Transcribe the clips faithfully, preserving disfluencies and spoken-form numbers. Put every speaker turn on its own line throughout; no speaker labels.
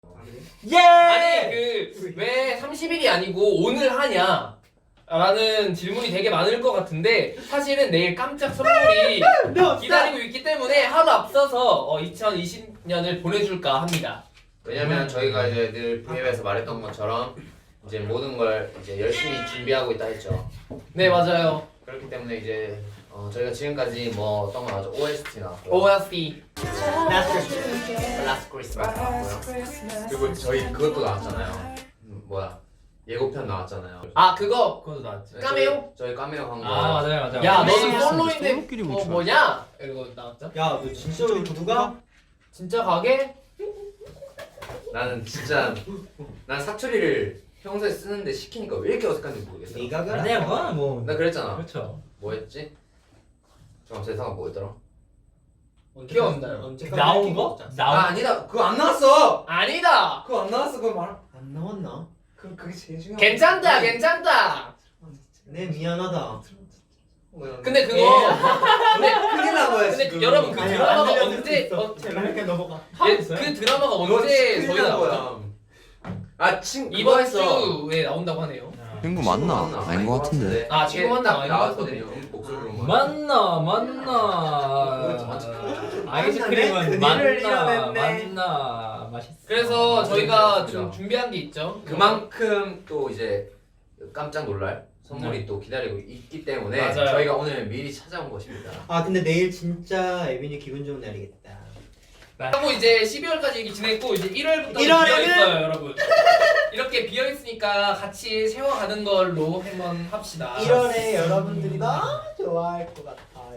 예!
아니 그 왜 삼십 일이 아니고 오늘 하냐 라는 질문이 되게 많을 것 같은데 사실은 내일 깜짝 선물이 기다리고 있기 때문에 하루 앞서서 어, 이천이십 년을 보내줄까 합니다.
왜냐면 저희가 이제 늘 브이앱에서 말했던 것처럼 이제 모든 걸 이제 열심히 준비하고 있다 했죠.
네 맞아요.
그렇기 때문에 이제 어, 저희가 지금까지 뭐 어떤 거 나왔죠? 오에스티 나왔고요.
오에스티
Last Christmas 나왔고요. 그리고 저희 그것도 나왔잖아요. 음, 뭐야? 예고편 나왔잖아요.
아 그거
그것도 나왔지.
네,
까메오?
저희, 저희 까메오 한 거.
아 맞아요 맞아요.
야
네.
너는 솔로인데
솔로끼리
뭐
못
뭐냐? 이러고 나왔죠?
야, 너 진짜 누가?
진짜 가게?
나는 진짜 난 사투리를 평소에 쓰는데 시키니까 왜 이렇게 어색한지 모르겠어.
네가 그래.
아니야 그거는 뭐
나 그랬잖아.
그렇죠.
뭐였지? 잠깐 제 생각 뭐였더라?
기억 안 나요.
언제까지
나온
할게
거?
없지 않았어?
나온
아 아니다. 그거 안 나왔어.
아니다.
그거 안 나왔어. 그거 말.
안 나왔나?
그 그게 제일 중요한.
괜찮다 괜찮다.
네, 미안하다.
근데 그거 근데
큰일 난 거야
근데
지금.
그 여러분 그
아니야,
드라마가
안 들려줄
언제
수 있어.
어,
제발 이렇게 넘어가.
예, 그 드라마가 언제 저희 나왔죠?
아친
이번 주에 나온다고 하네요.
친구 맞나? 아닌 것 같은데.
아, 친구 맞나? 아닌 것
나왔거든요. 목소리로만.
만나 만나 아이스크림은 만나 만나 맛있어.
그래서 저희가
그렇습니다.
좀 준비한 게 있죠.
그만큼 또 이제 깜짝 놀랄 선물이 또 기다리고 있기 때문에
맞아요.
저희가 오늘 미리 찾아온 것입니다.
아, 근데 내일 진짜 에빈이 기분 좋은 날이겠다.
하고 이제 십이월까지 얘기 지냈고 이제 일월부터
일월에는
비어 있어요, 여러분. 이렇게 비어 있으니까 같이 세워가는 걸로 한번 합시다.
일월에 여러분들이 너무 좋아할 것 같아요.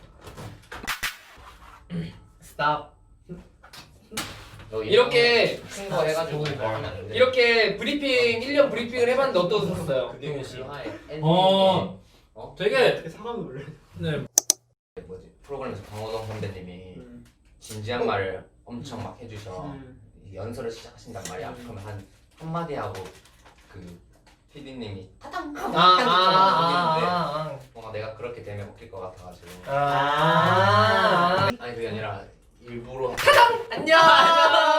스탑.
너
이렇게
큰 거 해가지고 이거 하면 안 돼.
이렇게 브리핑 일 년 브리핑을 해봤는데 어떠셨어요?
그게 실화의 엔딩이
어
어?
되게
어떻게 사람을 놀래?
네
뭐지 프로그램에서 강호동 선배님이
음.
진지한 말을 엄청 막 해주셔.
음.
이 연설을 시작하신단 말이야. 그러면 한 한마디 하고 그 피디님이 타당
아, 아, 아, 아, 아,
뭔가 내가 그렇게 되면 웃길 것 같아가지고.
아, 아.
아니 그게 아니라 일부러
안녕.